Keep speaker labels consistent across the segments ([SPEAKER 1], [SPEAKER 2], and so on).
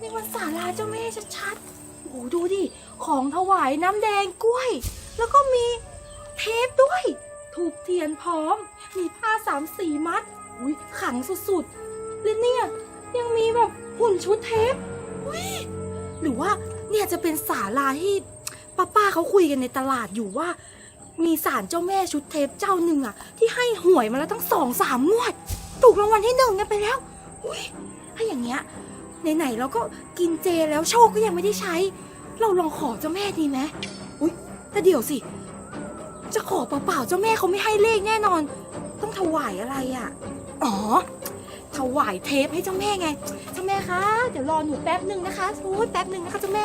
[SPEAKER 1] นี่มันศาลาเจ้าแม่ชัดๆโอ้ดูดิของถวายน้ำแดงกล้วยแล้วก็มีเทปด้วยถูกเทียนพร้อมมีผ้า3-4 มัดอุ้ยขังสุดๆและเนี่ยยังมีแบบหุ่นชุดเทปอุ้ยหรือว่าเนี่ยจะเป็นศาลาที่ป้าเขาคุยกันในตลาดอยู่ว่ามีศาลเจ้าแม่ชุดเทปเจ้าหนึ่งอะที่ให้หวยมาแล้วตั้ง2-3 งวดถูกรางวัลที่1กันไปแล้วอุ้ยถ้าอย่างเงี้ยไหนๆเราก็กินเจแล้วโชคก็ยังไม่ได้ใช้เราลองขอเจ้าแม่ดีไหมอุ้ยแต่เดี๋ยวสิจะขอเปล่าๆเจ้าแม่เขาไม่ให้เลขแน่นอนต้องถวายอะไรอ่ะอ๋อถวายเทปให้เจ้าแม่ไงเจ้าแม่คะเดี๋ยวรอหนูแป๊บหนึ่งนะคะโอ้ยแป๊บหนึ่งนะคะเจ้าแม่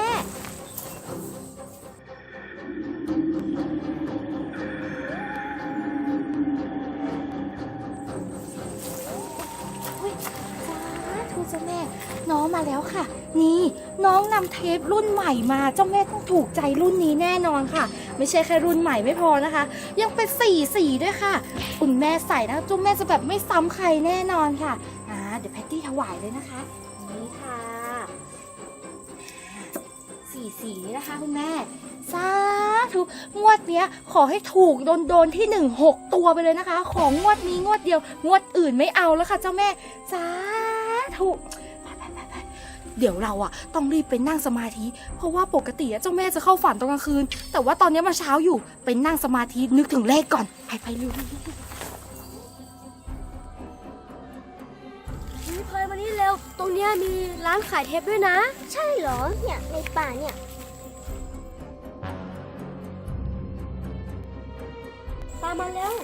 [SPEAKER 1] เจ้าแม่น้องมาแล้วค่ะนี่น้องนำเทปรุ่นใหม่มาเจ้าแม่ต้องถูกใจรุ่นนี้แน่นอนค่ะไม่ใช่แค่รุ่นใหม่ไม่พอนะคะยังเป็นสีด้วยค่ะคุณแม่ใส่นะเจ้าแม่จะแบบไม่ซ้ำใครแน่นอนค่ะเดี๋ยวแพตตี้ถวายเลยนะคะนี่ค่ะสีนี่นะคะคุณแม่สาธุงวดเนี้ยขอให้ถูกโดนที่6 ตัวไปเลยนะคะของงวดนี้งวดเดียวงวดอื่นไม่เอาแล้วค่ะเจ้าแม่สาธุเดี๋ยวเราอะต้องรีบไปนั่งสมาธิเพราะว่าปกติเจ้าแม่จะเข้าฝันตอนกลางคืนแต่ว่าตอนนี้มันเช้าอยู่ไปนั่งสมาธินึกถึงเลขก่อนไปเร็ว
[SPEAKER 2] นี่พลอยมานี่เร็วตรงเนี้ยมีร้านขายเทปด้วยนะใช่เหรอเนี่ยในป่าเนี่ยตามมาแล้ว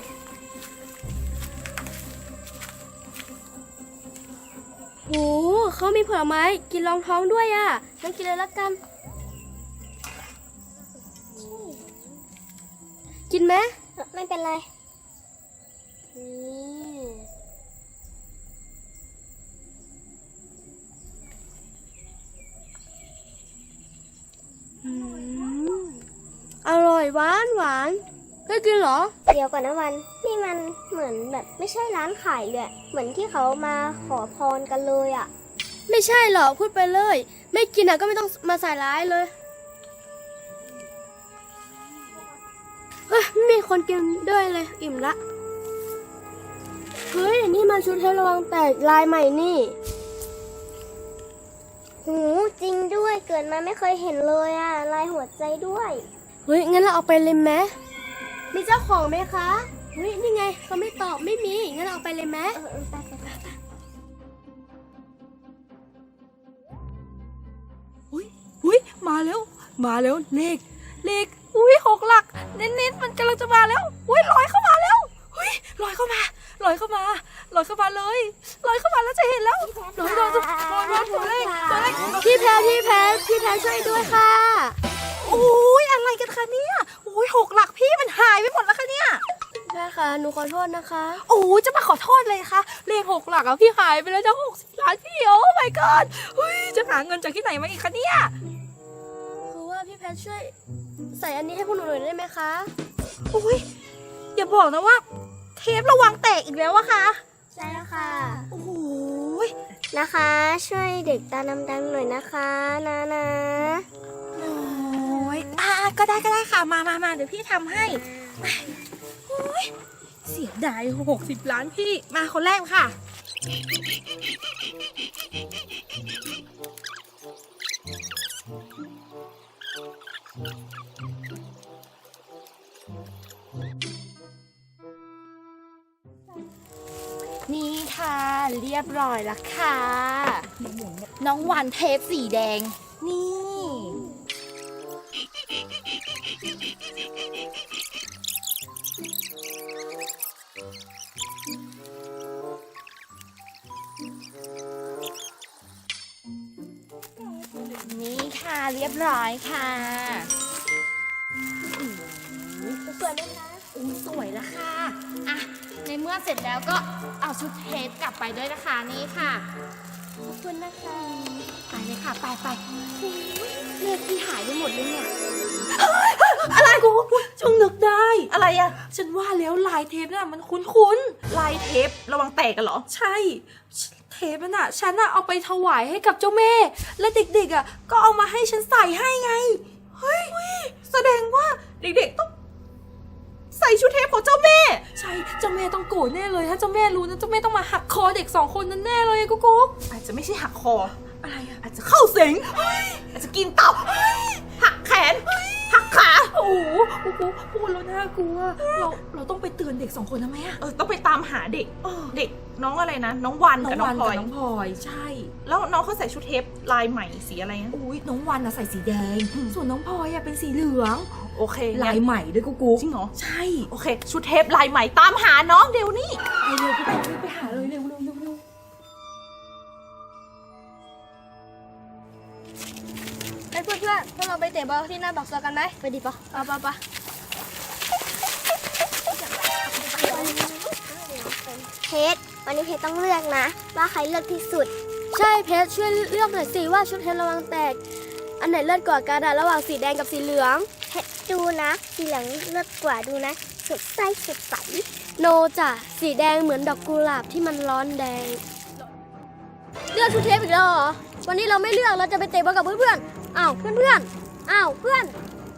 [SPEAKER 2] โหเขามีผลไม้กินรองท้องด้วยอ่ะงั้นกินเลยละกันกินไหมไม่เป็นไรอร่อยหวานได้กินเหรอเดี๋ยวก่อนนะวันนี่มันเหมือนแบบไม่ใช่ร้านขายเลยเหมือนที่เขามาขอพรกันเลยอ่ะไม่ใช่หรอกพูดไปเลยไม่กินอ่ะก็ไม่ต้องมาใส่ร้ายเลยเฮ้ยไม่มีคนกินด้วยเลยอิ่มละเฮ้ยนี่มันชุดเทประวังแตกลายใหม่นี่หูจริงด้วยเกิดมาไม่เคยเห็นเลยอ่ะลายหัวใจด้วยเฮ้ยงั้นเราเอาไปเลยไหมมีเจ้าของไหมคะเฮ้ยนี่ไงเขาไม่ตอบไม่มีงั้นเราเอาไปเลยไหมไป
[SPEAKER 1] อุ้ยมาแล้วเลขอุ้ย6 หลักเน้นมันกำลังจะมาแล้วอุ้ยลอยเข้ามาแล้วอุ้ยลอยเข้ามาเลยลอยเข้ามาแล้วจะเห็นแล้วลอยตัวเลข
[SPEAKER 2] พี่แพรช่วยด้วยค่ะ
[SPEAKER 1] โอ้ยอะไรกันคะเนี่ยโอ้ย6 หลักพี่มันหายไปหมดแล้วคะเนี่ย
[SPEAKER 2] แม่ค่ะหนูขอโทษนะคะ
[SPEAKER 1] โอ้ยจะมาขอโทษเลยค่ะเลข6 หลักพี่หายไปแล้วจะ60 ล้านพี่โอ้ my god จะหาเงินจากที่ไหนมาอีกคะเนี่ย
[SPEAKER 2] คือว่าพี่แพทช่วยใส่อันนี้ให้พวกหนูหน่อยได้ไหมคะ
[SPEAKER 1] โอ้ยอย่าบอกนะว่าเทประวังแตกอีกแล้วอะค่ะ
[SPEAKER 2] ใช่ค่ะ
[SPEAKER 1] โอ้ย
[SPEAKER 2] นะคะช่วยเด็กตาดำๆหน่อยนะคะนะ
[SPEAKER 1] โอ้ยก็ได้ค่ะมาเดี๋ยวพี่ทำให้โอ้ยเสียดาย60 ล้านพี่มาคนแรกค่ะนี่ค่ะเรียบร้อยแล้วค่ะน้องวันเทปสีแดงนี่ค่ะเรียบร้อยค่ะ
[SPEAKER 2] สวยไหมคะ
[SPEAKER 1] สวยแล้วค่ะในเมื่อเสร็จแล้วก็เอาชุดเทปกลับไปด้วยนะคะนี่ค่ะ
[SPEAKER 2] ขอบคุณนะคะ
[SPEAKER 1] ไปเลยค่ะไปเลขที่หายไปหมดเลยเนี่ยอะไรกูช่างนึกได้อะไรอะฉันว่าแล้วลายเทปน่ะมันคุ้น
[SPEAKER 3] ลายเทประวังแตกกันเหรอ
[SPEAKER 1] ใช่เทปนั่นน่ะฉันน่ะเอาไปถวายให้กับเจ้าแม่ และเด็กๆอ่ะก็เอามาให้ฉันใส่ให้ไงเฮ้ยแสดงว่าเด็กๆต้องใส่ชุดเทปของเจ้าแม่ใช่เจ้าแม่ต้องโกรธแน่เลยถ้าเจ้าแม่รู้นะเจ้าแม่ต้องมาหักคอเด็ก2 คนนั้นแน่เลยกุ๊กอาจจะไม่ใช่หักคออะไรอ่ะอาจจะเข้าสิงอาจจะกินตับหักแขนหักขาโอ้โหพูดแล้วน่ากลัวเราต้องไปเตือนเด็ก2 คนนะแม่
[SPEAKER 3] ต้องไปตามหาเด็กเด็กน้องอะไรนะน้องวันกับน้องพลอย
[SPEAKER 1] ใช่
[SPEAKER 3] แล้วน้องเขาใส่ชุดเทปลายใหม่สีอะไรนะ
[SPEAKER 1] อุ้ยน้องวันน่ะใส่สีแดงส่วนน้องพลอยเป็นสีเหลือง
[SPEAKER 3] โอเค
[SPEAKER 1] ลายใหม่ด้วยกุ๊ก
[SPEAKER 3] จริงเหรอ
[SPEAKER 1] ใช่
[SPEAKER 3] โอเคชุดเทปลายใหม่ตามหาน้องเดี๋ยวนี้
[SPEAKER 1] ไปเร็วไปหาเลยเร็ว
[SPEAKER 2] เพื่อนพวกเราไปเตะบอลที่หน้าบักซอกันไหมไปดิปะปะเพชรวันนี้เพชรต้องเลือกนะว่าใครเลือกที่สุดใช่เพชรช่วยเลือกหน่อยสิว่าชุดเพชรระวังแตกอันไหนเลือดกว่ากันระหว่างสีแดงกับสีเหลืองเพชรดูนะสีเหลืองเลือดกว่าดูนะสดใสโนจ้ะสีแดงเหมือนดอกกุหลาบที่มันร้อนแดงเลือกชุดเทปอีกแล้วเหรอวันนี้เราไม่เลือกเราจะไปเตะบอลกับเพื่อนอ้าวเพื่อนอ้าวเพื่อน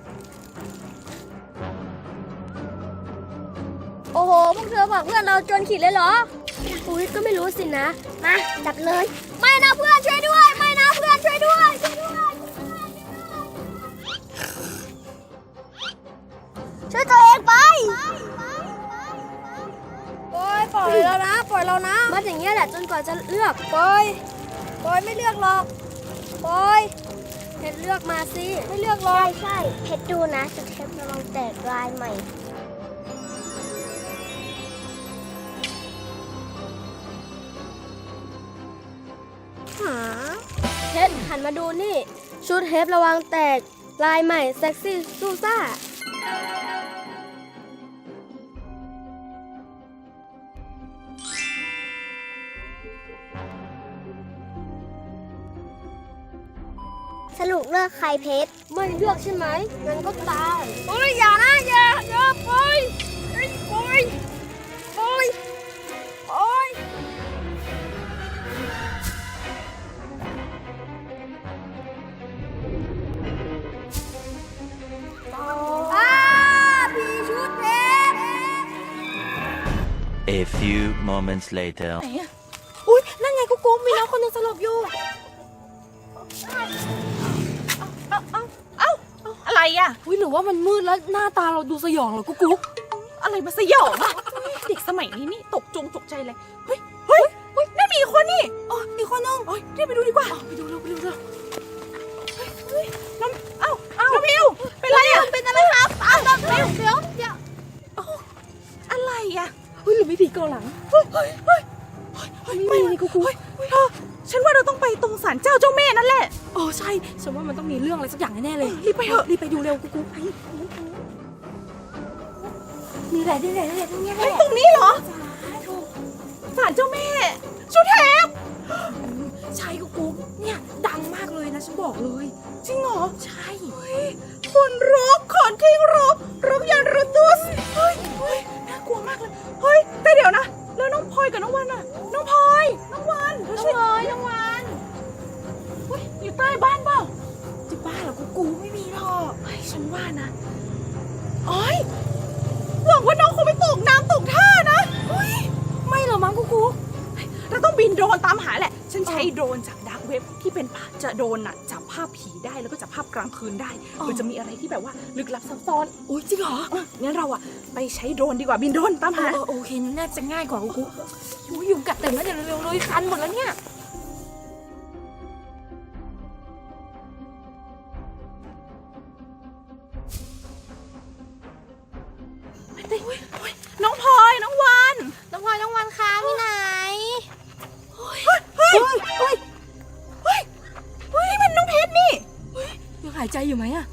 [SPEAKER 2] โอ้โหพวกเธอบอกเพื่อนเราจนขีดเลยเหรออุ้ยก็ไม่รู้สินะมาจับเลยไม่นะเพื่อนช่วยด้วยไม่นะเพื่อนช่วยด้วยช่วยตัวเองไปปล่อยเรานะมัดอย่างเงี้ยแหละจนกว่าจะเลือกปล่อยไม่เลือกหรอกปล่อยเพชรเลือกมาสิไม่เลือกหรอกใช่เพชรดูนะจะเทประวังแตกลายใหม่เพชรหันมาดูนี่ชุดเทประวังแตกลายใหม่เซ็กซี่ซูซ่าสรุปเลือกใครเพชรไม่เลือกใช่ไหมงั้นก็ตายโอ้ยอย่านะอย่าปล่อยพี่ชุดเพชร
[SPEAKER 4] A few moments later
[SPEAKER 1] ไหนอะอุ้ยนั่นไงกุ๊กมีน้องคนนึงสลบอยู่
[SPEAKER 3] อะไรอ่ะ
[SPEAKER 1] อุ้ยหรือว่ามันมืดแล้วหน้าตาเราดูสยองเหรอกุ๊ก
[SPEAKER 3] อะไรมาสยองอ่ะเด็กสมัยนี้นี่ตกใจเลยเฮ้ยนั่นมีอีกคนนี่
[SPEAKER 1] อีกคนนึง
[SPEAKER 3] รีบไปดูดีกว่า
[SPEAKER 1] ไปดูเร็ว
[SPEAKER 3] น้องพิวเป็นไรอ่ะ
[SPEAKER 2] เป็นอะไรครับน้องพิวเดี๋ยว
[SPEAKER 3] อะไรอ่ะ
[SPEAKER 1] หรือไม่ผีเกาหลัง
[SPEAKER 3] ไม่นี่กูเธอฉันว่าเราต้องไปตรงศาลเจ้าเจ้าแม่นั่นแหละ
[SPEAKER 1] ใช่ฉันว่ามันต้องมีเรื่องอะไรสักอย่างแน่เลย
[SPEAKER 3] รีบไปเถอะ
[SPEAKER 1] รีบไปดูเร็วกูไปมีอะไรได้เลยตรงนี้
[SPEAKER 3] ตรงนี้เหรอศาลเจ้าแม่ชุดเทป
[SPEAKER 1] ใช่กูเนี่ยดังมากเลยนะฉันบอกเลย
[SPEAKER 3] จริงเหรอ
[SPEAKER 1] ใช่
[SPEAKER 3] คนที่รบยันรตัวเฮ้ยน่ากลัวมากเลยเฮ้ยแต่เดี๋ยวนะแล้วน้องพลอยกับน้องวันอ่ะน้องพลอยน้องวันอยู่ใต้บ้านเปล่า
[SPEAKER 1] จะบ้าเหรอกูไม่มีหรอก
[SPEAKER 3] ฉันว่านะหวังว่าน้องคงไม่ตกน้ำตกท่านะ
[SPEAKER 1] ไม่หรอกมั้งกู
[SPEAKER 3] เราต้องบินโดรนตามหาแหละฉันใช้โดรนจากดาร์กเว็บที่เป็นจะโดรนจับภาพผีได้แล้วก็จับภาพกลางคืนได้มันจะมีอะไรที่แบบว่าลึกลับซับซ้อน
[SPEAKER 1] จริงเหรอ
[SPEAKER 3] งั้นเราไปใช้โดรนดีกว่าบินโดรนตามหา
[SPEAKER 1] โอเคน่าจะง่ายกว่ากูยุงกัดเต็มแล้วเดี๋ยวเร็วเลยคันหมดแล้วเนี่ย
[SPEAKER 3] น้องพลอยน้องวัน
[SPEAKER 2] ค้างที่ไหน
[SPEAKER 3] นี่มันน้องเพชรนี่
[SPEAKER 1] ยังหายใจอยู่ไหมอะ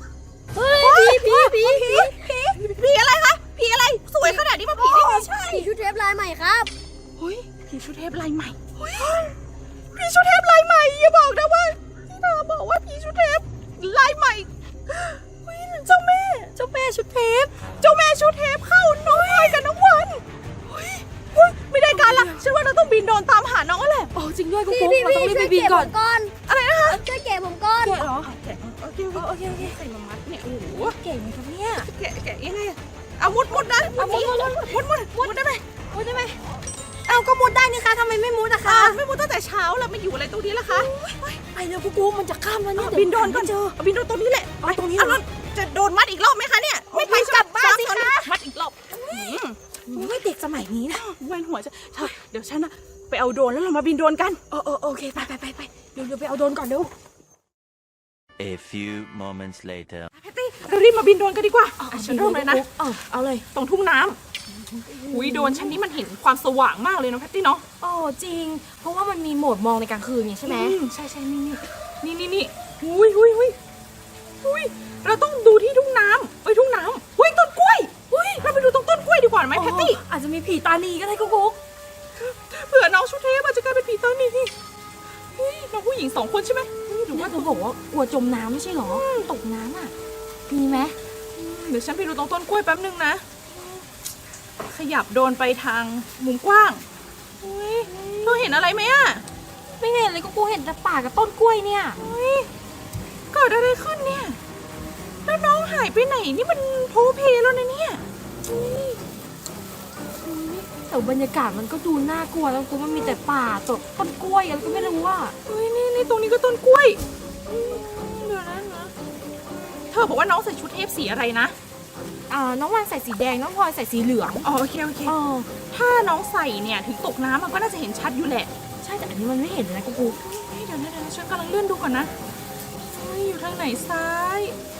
[SPEAKER 3] ผีอะไรคะผีอะไรสวยขนาดนี้มาผีได้ไงใช่
[SPEAKER 2] ผีชุดเทปลายใหม่ครับ
[SPEAKER 3] ผีชุดเทปลายใหม่ผีชุดเทปลายใหม่อย่าบอกนะว่าที่เธอบอกว่าผีชุดเทปลายใหม่เจ้าแม่ชุดเทปเข้าน้องพลอยกับน้องวันไม่ได้การละฉันว่าเราต้องบินโดรนตามหาน้องแหละ
[SPEAKER 1] จริงด้วยกุ๊กเราต้องรีบไปบินก่อน
[SPEAKER 2] อะไรนะคะช่วยแกะผมก่อน
[SPEAKER 1] แกะเหรอ
[SPEAKER 3] แกะโอเค
[SPEAKER 1] โอเค
[SPEAKER 3] ใส่มามัดเนี่ยโอ้โห
[SPEAKER 1] เก่งไหมครับเนี่ย
[SPEAKER 3] แกะยังไงอะเอามุดนะมุดได้ไหม
[SPEAKER 1] มุดได้ไหมเอาก็มุดได้นี่คะทำไมไม่มุดอะคะ
[SPEAKER 3] ไม่มุดตั้งแต่เช้าแล้วมาอยู่อะไรตรงนี้ล่ะคะ
[SPEAKER 1] ไปเร็วกุ๊กมันจะข้ามแล้วเนี่ย
[SPEAKER 3] บินโดนก่อน
[SPEAKER 1] เจอ
[SPEAKER 3] บินโดนตรงนี้แหละ
[SPEAKER 1] เอาตรงนี้
[SPEAKER 3] เอาแล้วจะโดนมัดอีกรอบไหมคะเนี่ยไม่ไป
[SPEAKER 1] กลับบ้านสิคะ
[SPEAKER 3] มัดอีกรอบ
[SPEAKER 1] ไม่เด็กสมัยนี้นะ
[SPEAKER 3] เวียนหัวจะเดี๋ยวฉันอะไปเอาโดรนแล้วเรามาบินโดรนกัน
[SPEAKER 1] โอเคไปเดี๋ยวไปเอาโดรนก่อนเร็ว
[SPEAKER 4] A few moments later.
[SPEAKER 3] แพตตี้เรารีบมาบินโดรนกันดีกว่าฉันเริ่มเลยนะ
[SPEAKER 1] เอาเลย
[SPEAKER 3] ตรงทุ่งน้ำอุ้ยโดรนชั้นนี้มันเห็นความสว่างมากเลยเนาะแพตตี้เนาะ
[SPEAKER 1] โอ้จริง เพราะว่ามันมีโหมดมองในกลางคืนไงใช่ไหม
[SPEAKER 3] ใช่นี่อุ้ยเราต้องดูที่ทุ่งน้ำทุ่งน้ำอุ้ยต้นกล้วยอุ้ยเราไปดูตรงต้นกล้วยดีกว่าไหมแพตตี้
[SPEAKER 1] อาจจะมีผีตานีก็ได้กุ๊ก
[SPEAKER 3] เผื่อน้องชุดเทพอาจจะกลายเป็นผีตานีอุ้ยน้องผู้หญิง2 คนใช่ไหมหรือ
[SPEAKER 1] ว่า
[SPEAKER 3] ว่า
[SPEAKER 1] เธอบอกว่ากลัวจมน้ำไม่ใช่หรอตกน้ำอ่ะมีไหม
[SPEAKER 3] เดี๋ยวฉันไปดูตรงต้นกล้วยแป๊บนึงนะขยับโดรนไปทางมุมกว้างอุ้ยเธอเห็นอะไรไหมอะ
[SPEAKER 1] ไม่เห็นเลยกุ๊กเห็นแต่ป่ากับต้นกล้วยเนี่ย
[SPEAKER 3] เกิดอะไรขึ้นเนี่ยแล้วน้องหายไปไหนนี่มันโพเพแล้วนะเนี่ย
[SPEAKER 1] แต่บรรยากาศมันก็ดูน่ากลัวแล้วกุ๊กมันมีแต่ป่าต้นกล้วยอะไรก็ไม่รู้ว่า
[SPEAKER 3] นี่ตรงนี้ก็ต้นกล้วยเดี๋ยวนะเธอบอกว่าน้องใส่ชุดเทพสีอะไรนะ
[SPEAKER 1] น้องวันใส่สีแดงน้องพลอยใส่สีเหลือง
[SPEAKER 3] อ๋อโอเคถ้าน้องใส่เนี่ยถึงตกน้ำมันก็น่าจะเห็นชัดอยู่แหละ
[SPEAKER 1] ใช่แต่อันนี้มันไม่เห็นเลยนะกุ๊ก
[SPEAKER 3] เดี๋ยวฉันกำลังเลื่อนดูก่อนนะอยู่ทางไหนซ้าย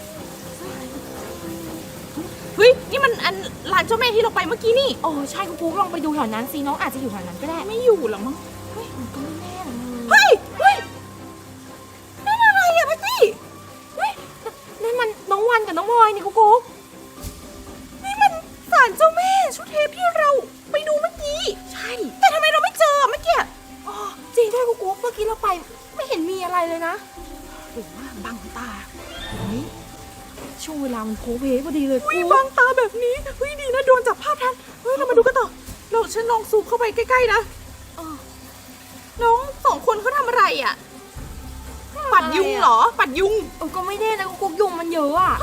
[SPEAKER 3] เฮ้ยนี่มันอันลานเจ้าแม่ที่เราไปเมื่อกี้นี่
[SPEAKER 1] โอ้ใช่กุ๊กลองไปดูแถวนั้นสิน้องอาจจะอยู่แถวนั้นก็ได้
[SPEAKER 3] ไม่อยู่หรอมั้ง
[SPEAKER 1] มันก็ไม่แน่นะ
[SPEAKER 3] เฮ้ยนั่นอะไรอะพัตตี้
[SPEAKER 1] นั่นมันน้องวันกับน้องพลอยนี่กุ๊ก
[SPEAKER 3] นี่มันศาลเจ้าแม่ชุดเทพที่เราไปดูเมื่อกี้ใช่แต่ทำไมเราไม่เจอเมื่อกี้
[SPEAKER 1] จริงด้วยกุ๊กเมื่อกี้เราไปไม่เห็นมีอะไรเลยนะ
[SPEAKER 3] หรือว่าบังตา
[SPEAKER 1] ช่วงเวลามันโพเพพอดีเลย
[SPEAKER 3] อุ้ย
[SPEAKER 1] กุ๊ก
[SPEAKER 3] บังตาแบบนี้ดีนะโดนจับภาพทันเรามาดูกันต่อฉันลองซูมเข้าไปใกล้ๆนะน้อง2 คนเขาทำอะไรอะปัดยุงเหรอปัดยุง
[SPEAKER 1] ก็ไม่แน่นะกุ๊กยุงมันเยอะอ่ะ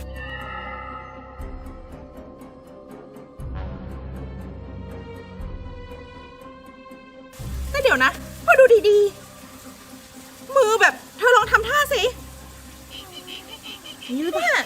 [SPEAKER 3] แต่เดี๋ยวนะพอดูดีๆมือแบบเธอลองทำท่าสินี่หรือเปล่า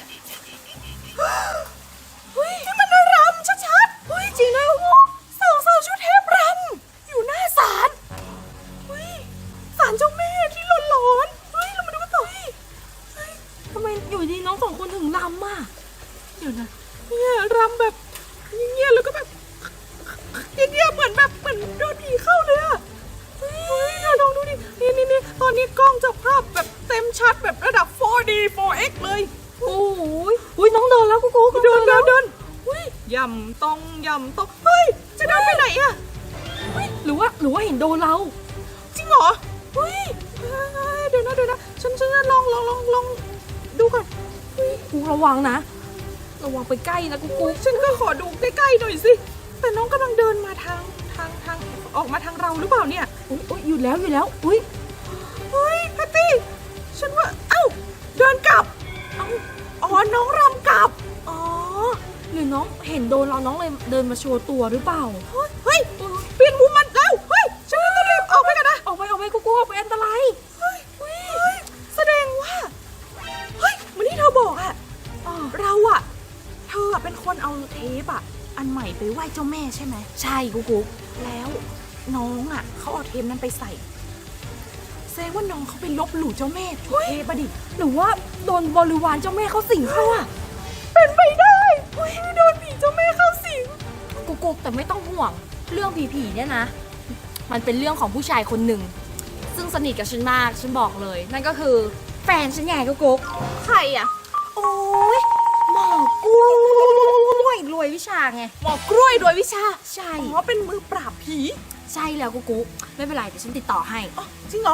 [SPEAKER 3] เฮ้ยที่มันรำชัดๆเฮ้ยจริงด้วยสาวชุดเทพรำอยู่หน้าศาลเฮ้ยศาลเจ้าแม่ที่หลอนๆเฮ้ยเรามาดูกันต่อ
[SPEAKER 1] ทำไมอยู่ดีน้อง2 คนถึงลำอ่ะ
[SPEAKER 3] เดี๋ยวนะเนี่ยรำแบบเงียบๆแล้วก็แบบเงียบๆเหมือนโดนผีเข้าเลยอะเฮ้ยเธอลองดูดินี่ตอนนี้กล้องจับภาพแบบเต็มชัดแบบระดับ 4D 4X เลย
[SPEAKER 1] โอ้ยน้องเดินแล้วกุ๊ก
[SPEAKER 3] เดินย่ำต้องเฮ้ยจะเดินไปไหนอะ
[SPEAKER 1] หรือว่าเห็นโดนเรา
[SPEAKER 3] จริงเหรอเฮ้ยเดี๋ยวนะฉันลองดูก่อน
[SPEAKER 1] กุ๊กระวังนะระวังไปใกล้นะกุ๊ก
[SPEAKER 3] ฉันก็ขอดูใกล้ๆหน่อยสิแต่น้องกำลังเดินมาทางออกมาทางเราหรือเปล่าเนี่ย
[SPEAKER 1] อุ้ยหยุดแล้วอุ้ย
[SPEAKER 3] เฮ้ยแพตตี้ฉันว่าเดินกลับน้องรำกลับ
[SPEAKER 1] หรือน้องเห็นโดนเราน้องเลยเดินมาโชว์ตัวหรือเปล่า
[SPEAKER 3] เฮ้ยเปลี่ยนมุมมันแล้วเฮ้ยฉันต้องรีบออกไปกันนะ
[SPEAKER 1] ออกไปกุ๊กออกไปอันตราย
[SPEAKER 3] เฮ้ยแสดงว่าเฮ้ยเหมือนที่เธอบอกอะเราอะเธอเป็นคนเอาเทปอะอันใหม่ไปไหว้เจ้าแม่ใช่ไหม
[SPEAKER 1] ใช่กุ๊ก
[SPEAKER 3] แล้วน้องอะเขาเอาเทปนั้นไปใส่แสดงว่าน้องเขาไปลบหลู่เจ้าแม่ชุดเทปอะดิ
[SPEAKER 1] หรือว่าโดนบริวารเจ้าแม่เขาสิงเข้าอ่ะ
[SPEAKER 3] เป็นไปได้โดนผีเจ้าแม่เข้าสิง
[SPEAKER 1] กุ๊กแต่ไม่ต้องห่วงเรื่องผีเนี่ยนะมันเป็นเรื่องของผู้ชายคนหนึ่งซึ่งสนิทกับฉันมากฉันบอกเลยนั่นก็คือแฟนฉันไงกุ๊ก
[SPEAKER 3] ใครอะ
[SPEAKER 1] โอ้ยหมอกล้วยรวยวิชาไง
[SPEAKER 3] หมอกล้วยโดยวิชา
[SPEAKER 1] ใช่
[SPEAKER 3] เป็นมือปราบผี
[SPEAKER 1] ใช่แล้วกุ๊กไม่เป็นไรเดี๋ยวฉันติดต่อให้
[SPEAKER 3] จริงเหรอ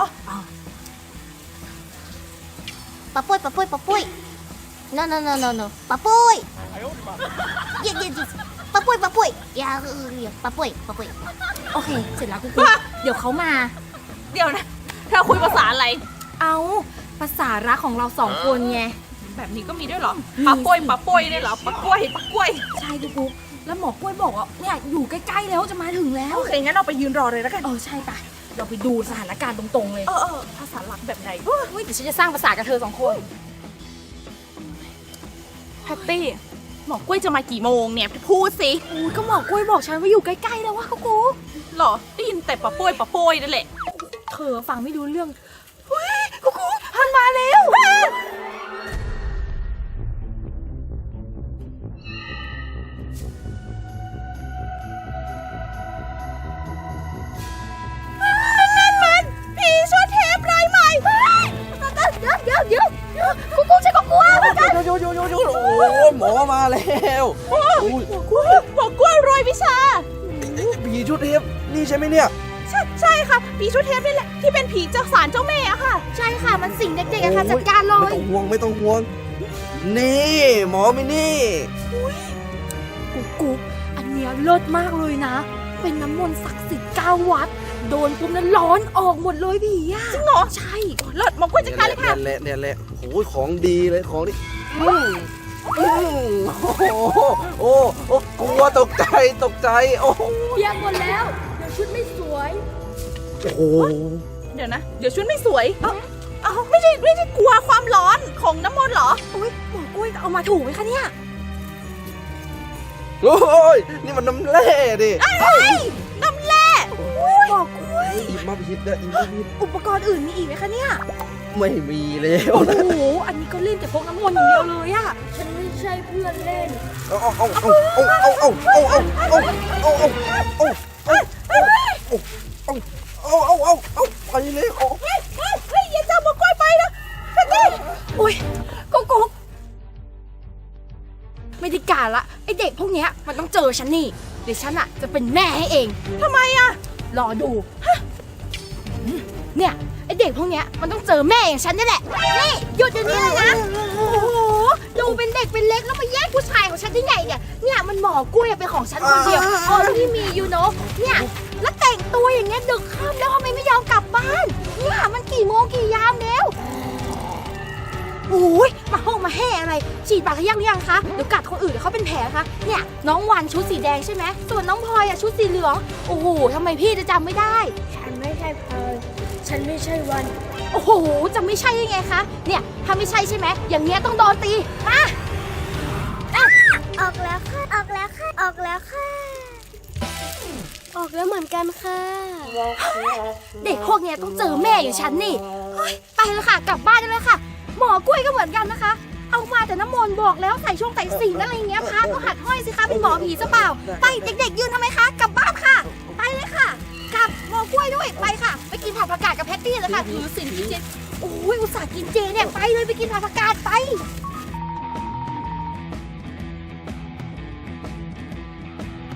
[SPEAKER 2] ปะปุ้ย noปะปุ้ยเย็นปะปุ้ยอย่าปะปุ้ย
[SPEAKER 1] โอเคเสร็จแล้วกุ๊กเดี๋ยวเขามา
[SPEAKER 3] เดี๋ยวนะเธอคุยภาษาอะไร
[SPEAKER 1] เอาภาษารักของเราสองคนไง
[SPEAKER 3] แบบนี้ก็มีด้วยเหรอปะป่วยด้วยเหรอปะกล้วย
[SPEAKER 1] ใช่กุ๊กกุ๊กแล้วหมอกล้วยบอกว่าเนี่ยอยู่ใกล้ๆแล้วจะมาถึงแล้ว
[SPEAKER 3] โอเคงั้นเราไปยืนรอเลยแล้วกัน
[SPEAKER 1] ใช่ปะเราไปดูสถานการณ์ตรงๆเลย
[SPEAKER 3] ภาษารักแบบไหน
[SPEAKER 1] เฮ้ยเดี๋ยวฉันจะสร้างภาษากับเธอสองคน
[SPEAKER 3] แพตตี้หมอกล้วยจะมากี่โมงเนี่ยพูดสิ
[SPEAKER 1] อุ้ยก็หมอกล้วยบอกฉันว่าอยู่ใกล้ๆแล้วว่ากุ๊กกุ๊ก
[SPEAKER 3] หรอได้ยินแต่ปะป่วยนั่นแหละ
[SPEAKER 1] เธอฟังไม่รู้เรื่องเฮ้ยกุ๊กกุ๊กมันมาแล้ว
[SPEAKER 3] ผีชั่วเทปรายใหม่
[SPEAKER 2] เดี๋ยวกูกูฉันก็กลัวเหมือนกัน
[SPEAKER 5] โอ้ยหมอมาแล้วอุ้ย
[SPEAKER 3] หมอกล้วยรวยวิชา
[SPEAKER 5] ผีชุดเทปนี่ใช่ไหมเนี่ย
[SPEAKER 3] ใช่ค่ะผีชั่วเทปนี่แหละที่เป็นผีเจ้าสารเจ้าแม่อะค่ะ
[SPEAKER 2] ใช่ค่ะมันสิ่งเด็กๆอะค่ะจัดการเลย
[SPEAKER 5] ไม่ต้องห่วง นี่หมอมินี่
[SPEAKER 1] กุ๊กกุ๊กอันเนี้ยเลิศมากเลยนะ เป็นน้ำมนต์ศักดิ์สิทธิ์9 วัด โดนปุ๊บนั้นร้อนออกหมดเลยพี่อะ
[SPEAKER 3] จริงเหรอ
[SPEAKER 1] ใช่
[SPEAKER 3] เลิศหมอกล้วยจัดการเลยค่ะ
[SPEAKER 5] เนี่ยแหละโอ้ยของดีเลยของดีโอ้กลัวตกใจโอ้
[SPEAKER 1] เปียกหมดแล้ว เดี๋ยวชุดไม่สวย
[SPEAKER 5] โห
[SPEAKER 3] เดี๋ยวนะ เดี๋ยวชุดไม่สวยเอ้าไม่ใช่กลัวความร้อนของน้ำมนต์เหรอ
[SPEAKER 1] อุ้ยหมอกล้วยเอามาถูกไหมคะเนี่ย
[SPEAKER 5] โอ้ยนี่มันน้ำแร่ดิ
[SPEAKER 3] น้ำแร่
[SPEAKER 1] หมอกล้วย
[SPEAKER 5] อีกมาพิษนะอีกมาพิษ
[SPEAKER 1] อุปกรณ์อื่นมีอีกไหมคะเนี่ย
[SPEAKER 5] ไม่มีแล้ว
[SPEAKER 1] โอ้
[SPEAKER 5] นะ
[SPEAKER 1] โห อันนี้ก็เล่นแต่พกน้ำมนต์อย่างเดียวเลยอะ
[SPEAKER 2] ฉันไม่ใช่เพื่อนเล่น
[SPEAKER 5] ไปเลย
[SPEAKER 3] เฮ้ยอย่าจับหมอกล้วยไปนะแพตตี้
[SPEAKER 1] อุ้ยกุ๊กกุ๊กไม่ได้การละไอเด็กพวกเนี้ยมันต้องเจอฉันนี่ เดี๋ยวฉันอะจะเป็นแม่ให้เอง
[SPEAKER 3] ทำไมอะ
[SPEAKER 1] รอดูเนี่ยไอเด็กพวกเนี้ยมันต้องเจอแม่อย่างฉันนี่แหละ นี่หยุดเดี๋ยวนี้เลยนะ โอ้โห ดูเป็นเด็กเป็นเล็กแล้วมาแย่งผู้ชายของฉันได้ไงเนี่ย เนี่ยมันหมอกล้วยเป็นของฉันคนเดียวที่มีอยู่เนาะเนี่ยแล้วแต่งตัวอย่างเงี้ยดึกค่ำแล้วทำไมไม่ยอมกลับบ้าน เนี่ยมันกี่โมงกี่ยามแล้วโอ้ยมาห้องมาแห่อะไร ฉีดปากหรือยังคะ เดี๋ยวกัดคนอื่นเดี๋ยวเขาเป็นแผลคะ เนี่ยน้องวันชุดสีแดงใช่ไหม ส่วนน้องพลอยอะชุดสีเหลือง โอ้โหทำไมพี่จะจำไม่ได้
[SPEAKER 2] ฉันไม่ใช่เพลินฉันไม่ใช่วัน
[SPEAKER 1] โอ้โห จะไม่ใช่ยังไงคะ เนี่ย ถ้าไม่ใช่ใช่ไหม อย่างเงี้ยต้องโดนตี มา
[SPEAKER 2] ออกแล้วค่ะ ออกแล้วค่ะ ออกแล้วค่ะ ออกแล้วเหมือนกันค่ะ
[SPEAKER 1] เด็กพวกเนี้ยต้องเจอแม่อย่างฉันนี่เฮ้ยไปเลยค่ะ กลับบ้านได้เลยค่ะ หมอกล้วยก็เหมือนกันนะคะ เอามาแต่น้ำมนต์บอกแล้วใส่ช่วงใส่สีอะไรอย่างเงี้ยพระก็หัดห้อยสิคะเป็นหมอผีซะเปล่า ไปเด็กๆยืนทำไมคะ กลับบ้านค่ะ ไปเลยค่ะ กลับหมอกล้วยด้วย ไปค่ะ ไปกินผักผักกาดกับแพตตี้เลยค่ะ ถือศีลกินเจ โอ้ยอุตส่าห์กินเจเนี่ย ไปเลยไปกินผักผักกาดไป